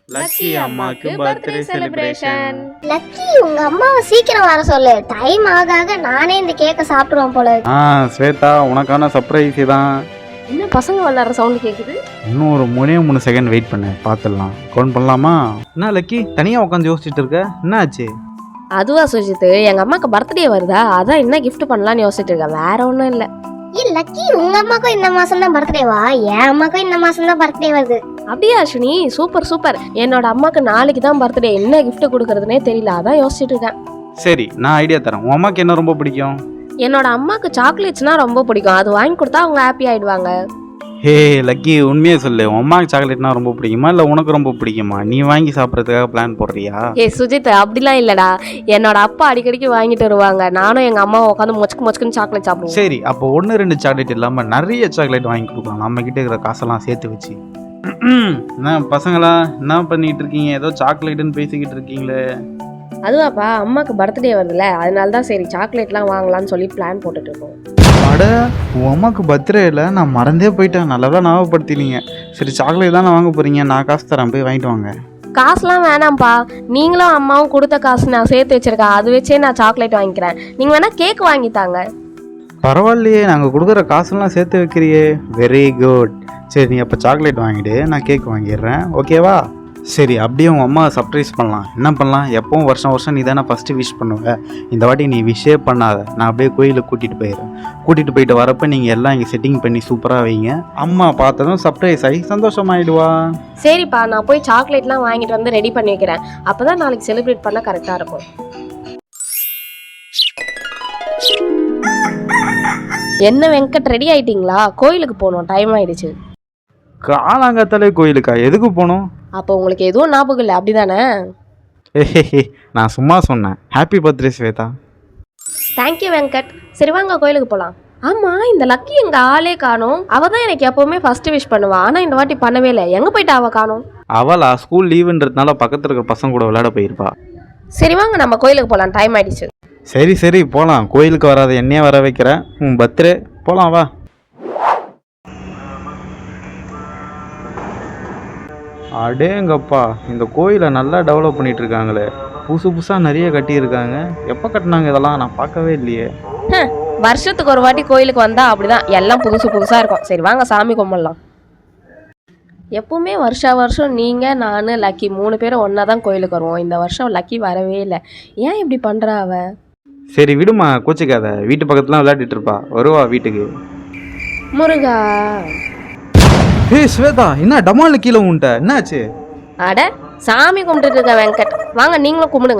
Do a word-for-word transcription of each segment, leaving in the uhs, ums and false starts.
Lucky அம்மாக்கு birthday celebration. Lucky உங்க அம்மாவை சீக்கிரம் வர சொல்லு. டைம் ஆக ஆக நானே இந்த கேக்க சாப்பிடுவேன் போல. ஆ ஸ்வேதா, உனக்கான சர்ப்ரைஸ் தான். என்ன பசங்க விளையாடுற சவுண்ட் கேக்குது? இன்னும் ஒரு மூணே மூணு செகண்ட் வெயிட் பண்ணு, பார்த்துடலாம். கவுண்ட் பண்ணலாமா? என்ன லக்கி தனியா உட்காந்து யோசிச்சுட்டு இருக்க, என்ன ஆச்சு? அதுவா சுஜித், எங்க அம்மாக்கு பர்த்டே வருதா, அதான் என்ன கிஃப்ட் பண்ணலாம்னு யோசிச்சுட்டு இருக்கேன், வேற ஒன்றும் இல்லை. ஏ லக்கி, உங்க அம்மாக்கும் இந்த மாசம் தான் பர்த்டேவா? என் அம்மாக்கும் இந்த மாசம் தான் பர்த்டே வருது. அப்படியா அஸ்வினி? Super super. என்னோட அம்மாக்கு நாளைக்கு தான் பர்த்டே, என்ன கிஃப்ட் கொடுக்கறதுனே தெரியல, அதான் யோசிச்சுட்டு இருக்கேன். சரி, நான் ஐடியா தரேன். உன் அம்மாக்கு என்ன ரொம்ப பிடிக்கும்? என்னோட அம்மாக்கு சாக்லேட்ஸ்னா ரொம்ப பிடிக்கும், அது வாங்கி கொடுத்தா அவங்க ஹாப்பி ஆயிடுவாங்க. ஹே லக்கி, உண்மையே சொல்லு, உன் அம்மாக்கு சாக்லேட்னா ரொம்ப பிடிக்குமா இல்லை உனக்கு ரொம்ப பிடிக்குமா? நீ வாங்கி சாப்பிட்றதுக்காக பிளான் போடுறியா? ஏ சுஜித், அப்படிலாம் இல்லடா. என்னோட அப்பா அடிக்கடிக்கு வாங்கிட்டு வருவாங்க, நானும் எங்க அம்மாவும் உட்காந்து மொச்சுக்கு மொச்சுக்குன்னு சாக்லேட் சாப்பிடுவோம். சரி, அப்போ ஒன்று ரெண்டு சாக்லேட் இல்லாமல் நிறைய சாக்லேட் வாங்கி கொடுக்கலாம், நம்ம கிட்ட இருக்கிற காசெல்லாம் சேர்த்து வச்சு. என்ன பசங்களா, என்ன பண்ணிட்டு இருக்கீங்க? ஏதோ சாக்லேட்டுன்னு பேசிக்கிட்டு இருக்கீங்களே. அதுவாப்பா, அம்மாக்கு பர்த்டே வருதுல்ல, அதனால தான் சரி சாக்லேட்லாம் வாங்கலாம்னு சொல்லி பிளான் போட்டுட்டு இருக்கோம். அட, உன் அம்மாவுக்கு பர்த்டே இல்லை, நான் மறந்தே போயிட்டேன். நல்லதா ஞாபகப்படுத்தினீங்க. சரி, சாக்லேட் தானே வாங்க போறீங்க, நான் காசு தரேன், போய் வாங்கிட்டு வாங்க. காசுலாம் வேணாம்ப்பா, நீங்களும் அம்மாவும் கொடுத்த காசு நான் சேர்த்து வச்சிருக்கேன், அது வச்சே நான் சாக்லேட் வாங்கிக்கிறேன். நீங்க வேணா கேக் வாங்கித்தாங்க. பரவாயில்லையே, நாங்கள் கொடுக்குற காசுலாம் சேர்த்து வைக்கிறியே, வெரி குட். சரி, நீ அப்போ சாக்லேட் வாங்கிடு, நான் கேக் வாங்கிடுறேன், ஓகேவா? சரி, அப்படியே உங்கள் அம்மா சர்ப்ரைஸ் பண்ணலாம். என்ன பண்ணலாம்? எப்பவும் வருஷம் வருஷம் நீ தானே ஃபஸ்ட்டு விஷ் பண்ணுவேன். இந்த வாட்டி நீ விஷே பண்ணாத, நான் அப்படியே கோயிலுக்கு கூட்டிகிட்டு போயிடுறேன். கூட்டிகிட்டு போயிட்டு வரப்போ நீங்கள் எல்லாம் இங்கே செட்டிங் பண்ணி சூப்பராக வைங்க. அம்மா பார்த்ததும் சர்ப்ரைஸ் ஆகி சந்தோஷமாயிடுவா. சரிப்பா, நான் போய் சாக்லேட்லாம் வாங்கிட்டு வந்து ரெடி பண்ணி வைக்கிறேன், அப்போ தான் நாளைக்கு செலிப்ரேட் பண்ண கரெக்டாக இருக்கும். என்ன வெங்கட், ரெடி ஆயிட்டீங்களா? கோயிலுக்கு போகணும், டைம் ஆயிடுச்சு. காலாங்கத்தாலே கோயிலுக்கா? எதுக்கு போகணும்? அப்போ உங்களுக்கு எதுவும் ஞாபகம் இல்லை அப்படிதானே? ஏஹே, நான் சும்மா சொன்னேன். Happy birthday Shweta. Thank you Venkat. சரி வாங்க கோயிலுக்கு போகலாம். ஆமாம், இந்த லக்கி எங்கள் ஆளே காணும். அவள் தான் எனக்கு எப்போவுமே ஃபஸ்ட்டு விஷ் பண்ணுவாள், ஆனால் இந்த வாட்டி பண்ணவே இல்லை. எங்கே போயிட்டா அவள் காணும்? அவளா ஸ்கூல் லீவுன்றதுனால பக்கத்தில் இருக்கிற பசங்க கூட விளையாட போயிருப்பா. சரி வாங்க நம்ம கோயிலுக்கு போகலாம், டைம் ஆயிடுச்சு. சரி சரி போகலாம். கோயிலுக்கு வராத என்னையே வர வைக்கிறேன். உன் பர்த்டே, போகலாம் வா. அடேங்கப்பா, இந்த கோயிலை நல்லா டெவலப் பண்ணிட்டு இருக்காங்களே. புதுசு புதுசாக நிறைய கட்டியிருக்காங்க. எப்போ கட்டினாங்க இதெல்லாம்? நான் பார்க்கவே இல்லையே. வருஷத்துக்கு ஒரு வாட்டி கோயிலுக்கு வந்தா அப்படிதான், எல்லாம் புதுசு புதுசாக இருக்கும். சரி வாங்க சாமி கும்பிடலாம். எப்பவுமே வருஷா வருஷம் நீங்கள் நான் லக்கி மூணு பேரும் ஒன்றா தான் கோயிலுக்கு வருவோம். இந்த வருஷம் லக்கி வரவே இல்லை, ஏன் இப்படி பண்ணுறா அவ? சரி விடுமா, கோச்சிக்காத. வீட்டு பக்கத்துலாம் விளையாடிட்டு இருப்பா, வருவா வீட்டுக்கு. முருகா. ஹே ஸ்வேதா, என்ன டமால் கீழே உன்ட்ட என்னாச்சு? அட, சாமி கும்பிட்டுட்டு இருக்க வெங்கட், வாங்க நீங்களும் கும்பிடுங்க.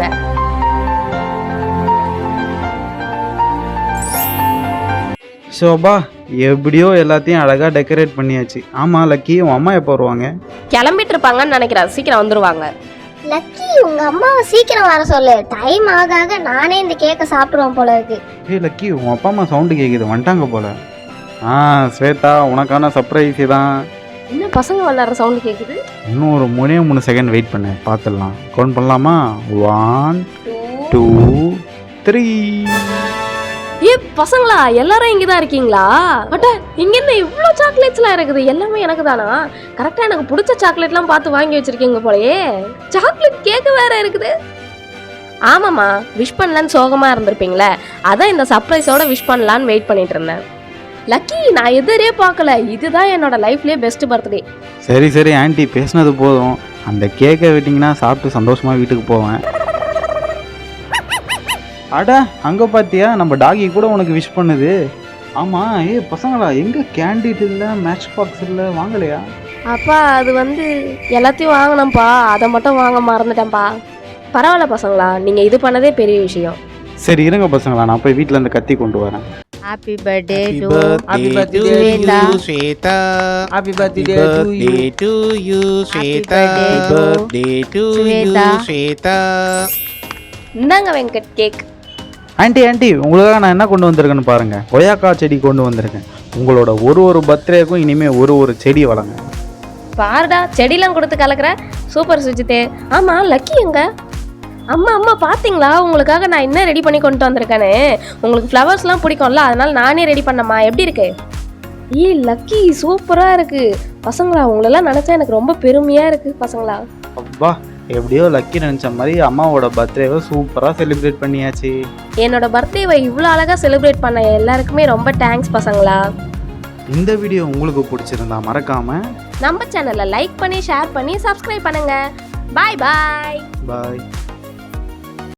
ஷோபா, எப்படியோ எல்லாத்தையும் அழகாக டெக்கரேட் பண்ணியாச்சு. ஆமாம் லக்கி, உன் அம்மா எப்போ வருவாங்க? கிளம்பிட்டு இருப்பாங்கன்னு நினைக்கிறேன், சீக்கிரம் வந்துருவாங்க. லக்கி உங்க அம்மாவை சீக்கிரம் வர சொல்லு. டைம் ஆக ஆக நானே இந்த கேக்க சாப்பிடுவேன் போல இருக்கு. ஹே லக்கி, உன் அப்பா அம்மா சவுண்டு கேட்குது, வந்துட்டாங்க போல. ஆ ஸ்வேதா, உனக்கான சர்ப்ரைஸ் தான். என்ன பசங்க விளையாடுற சவுண்டு கேட்குது? இன்னும் ஒரு மூணே மூணு செகண்ட் வெயிட் பண்ணு, பார்த்துடலாம். கவுண்ட் பண்ணலாமா? One two three. ஏ பசங்களா, எல்லாரும் இங்கே தான் இருக்கீங்களா? அட்ட, இங்க என்ன இவ்வளோ சாக்லேட்ஸ்லாம் இருக்குது? எல்லாமே எனக்கு தானா? கரெக்டாக எனக்கு பிடிச்ச சாக்லேட்லாம் பார்த்து வாங்கி வச்சிருக்கீங்க போலயே. சாக்லேட் கேக்கு வேற இருக்குது. ஆமாம்மா, விஷ் பண்ணலான்னு சோகமாக இருந்திருப்பீங்களே, அதான் இந்த சர்ப்ரைஸோட விஷ் பண்ணலான்னு வெயிட் பண்ணிட்டு இருந்தேன். லக்கி, நான் எதிரே பார்க்கல, இதுதான் என்னோட லைஃப்லேயே பெஸ்ட் பர்த்டே. சரி சரி ஆண்டி, பேசினது போதும். அந்த கேக்கை விட்டிங்கன்னா சாப்பிட்டு சந்தோஷமாக வீட்டுக்கு போவேன். அட, அங்கே பார்த்தியா, நம்ம டாகி கூட உனக்கு விஷ் பண்ணுது. ஆமாம், ஏ பசங்களா, எங்கே கேண்டிட் இல்லை, மேட்ச் பாக்ஸ் இல்லை, வாங்கலையா? அப்பா, அது வந்து எல்லாத்தையும் வாங்கினேன்ப்பா, அதை மட்டும் வாங்க மறந்துட்டேன்ப்பா. பரவாயில்ல பசங்களா, நீங்கள் இது பண்ணதே பெரிய விஷயம். சரி இருங்க பசங்களா, நான் போய் வீட்டில் இருந்து கத்தி கொண்டு வரேன். Happy birthday to Happy birthday to you, Shweta. Happy birthday to you, Shweta. Happy birthday to you, Shweta. இந்தாங்க வெங்கட் கேக். ஆண்டி ஆண்டி, உங்களுக்காக நான் என்ன கொண்டு வந்திருக்கேன்னு பாருங்கள். கொய்யாக்கா செடி கொண்டு வந்திருக்கேன். உங்களோட ஒரு ஒரு பர்த்டேக்கும் இனிமேல் ஒரு ஒரு செடி வளங்க. பாருடா, செடிலாம் கொடுத்து கலக்கிற, சூப்பர் சுஜித்தே. ஆமாம், லக்கி எங்க? அம்மா அம்மா பார்த்தீங்களா, உங்களுக்காக நான் என்ன ரெடி பண்ணி கொண்டு வந்திருக்கேன்னு. உங்களுக்கு ஃப்ளவர்ஸ்லாம் பிடிக்கும்ல, அதனால நானே ரெடி பண்ணம்மா. எப்படி இருக்கு? ஏ லக்கி, சூப்பராக இருக்குது. பசங்களா, உங்களெல்லாம் நினச்சா எனக்கு ரொம்ப பெருமையாக இருக்குது பசங்களா. அப்பா எப்படியோ லக்கி நினச்ச மாதிரி அம்மாவோட பர்த்டேவை சூப்பராக செலிப்ரேட் பண்ணியாச்சு. என்னோட பர்த்டேவை இவ்வளோ அழகாக செலிப்ரேட் பண்ண எல்லாருக்குமே ரொம்ப தேங்க்ஸ் பசங்களா. இந்த வீடியோ உங்களுக்கு பிடிச்சிருந்தா மறக்காம நம்ம சேனலை லைக் பண்ணி ஷேர் பண்ணி சப்ஸ்கிரைப் பண்ணுங்க. பாய் பாய். பாய்.